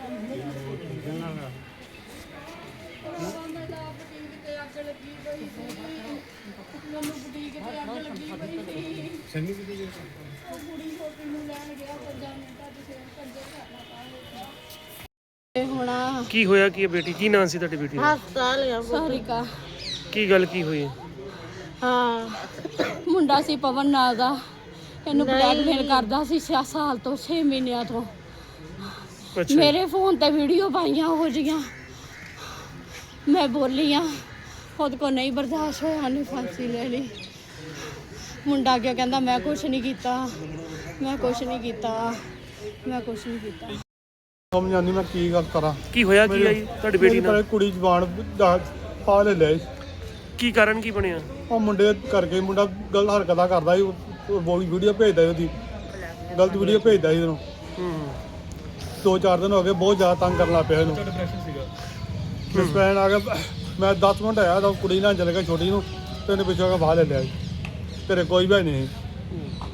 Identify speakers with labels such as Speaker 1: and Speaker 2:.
Speaker 1: ਕੀ ਹੋਇਆ ਕੀ ਬੇਟੀ? ਕੀ ਨਾਂ ਸੀ ਤੁਹਾਡੀ ਬੇਟੀ ਦਾ?
Speaker 2: ਸਾਰਿਕਾ।
Speaker 1: ਕੀ ਗੱਲ ਕੀ ਹੋਈ?
Speaker 2: ਹਾਂ, ਮੁੰਡਾ ਸੀ ਪਵਨ ਨਾਂ ਦਾ, ਇਹਨੂੰ ਬਲੈਕਮੇਲ ਕਰਦਾ ਸੀ 6 ਸਾਲ ਤੋਂ, 6 ਮਹੀਨਿਆਂ ਤੋਂ।
Speaker 1: ਅੱਛਾ।
Speaker 2: ਮੇਰੇ ਫੋਨ ਤੇ ਵੀਡੀਓ ਪਾਈਆਂ ਹੋ ਜੀਆਂ, ਮੈਂ ਬੋਲੀ ਆ, ਖੁਦ ਕੋ ਨਹੀਂ ਬਰਦਾਸ਼ਤ ਹੋਇਆ, ਉਹਨੇ ਫਾਂਸੀ ਲੈ ਲਈ। ਮੁੰਡਾ ਕਿਉਂ ਕਹਿੰਦਾ ਮੈਂ ਕੁਛ ਨਹੀਂ ਕੀਤਾ, ਮੈਂ ਕੁਛ ਨਹੀਂ ਕੀਤਾ, ਮੈਂ ਕੁਛ ਨਹੀਂ ਕੀਤਾ।
Speaker 3: ਸਮਝ ਆਉਂਦੀ ਮੈਂ ਕੀ ਗੱਲ ਕਰਾਂ।
Speaker 1: ਕੀ ਹੋਇਆ ਕੀ ਆਈ ਤੁਹਾਡੀ ਬੇਟੀ ਨਾਲ?
Speaker 3: ਕੁੜੀ ਜਵਾਨ ਪਾ ਲੈ ਲਿਆ।
Speaker 1: ਕੀ ਕਾਰਨ ਕੀ ਬਣਿਆ?
Speaker 3: ਉਹ ਮੁੰਡੇ ਕਰਕੇ ਮੁੰਡਾ ਗਲਤ ਹਰਕਤਾਂ ਕਰਦਾ ਸੀ, ਉਹ ਵੀਡੀਓ ਭੇਜਦਾ ਸੀ, ਉਹਦੀ ਗਲਤ ਵੀਡੀਓ ਭੇਜਦਾ ਸੀ ਉਹਨੂੰ। 2-4 ਦਿਨ ਹੋ ਗਏ, ਬਹੁਤ ਜ਼ਿਆਦਾ ਤੰਗ ਕਰਨ ਲੱਗ ਪਿਆ ਇਹਨੂੰ। ਡਿਸਪੈਨ ਆ ਗਿਆ, ਮੈਂ 10 ਮਿੰਟ ਆਇਆ ਤਾਂ ਕੁੜੀ ਨਾਲ ਚਲੇ ਗਿਆ ਛੋਟੀ ਨੂੰ, ਤੇ ਉਹਨੇ ਪਿੱਛੋਂ ਆ ਕੇ ਬਾਹਰ ਲੈ ਲਿਆ। ਤੇਰੇ ਕੋਈ ਵੀ ਨਹੀਂ।